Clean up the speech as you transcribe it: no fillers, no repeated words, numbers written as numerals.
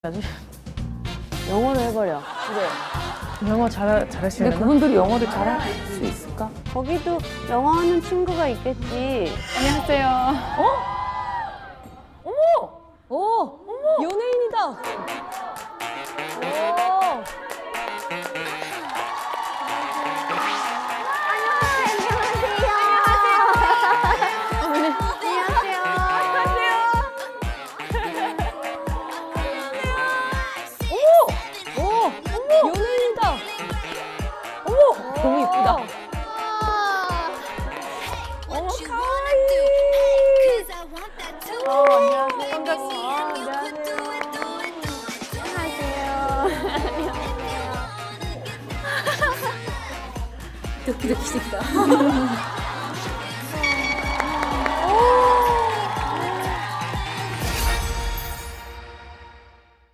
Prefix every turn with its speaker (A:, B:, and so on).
A: 영어로 해버려.
B: 그래. 영어 잘하시는
C: 근데 그분들이 영어를 잘할 수 있을까?
A: 거기도 영어 하는 친구가 있겠지.
B: 안녕하세요.
D: 오! 연예인이다! 오! 연예인이다!
C: 너무 이쁘다.
D: 도끼도끼 식다.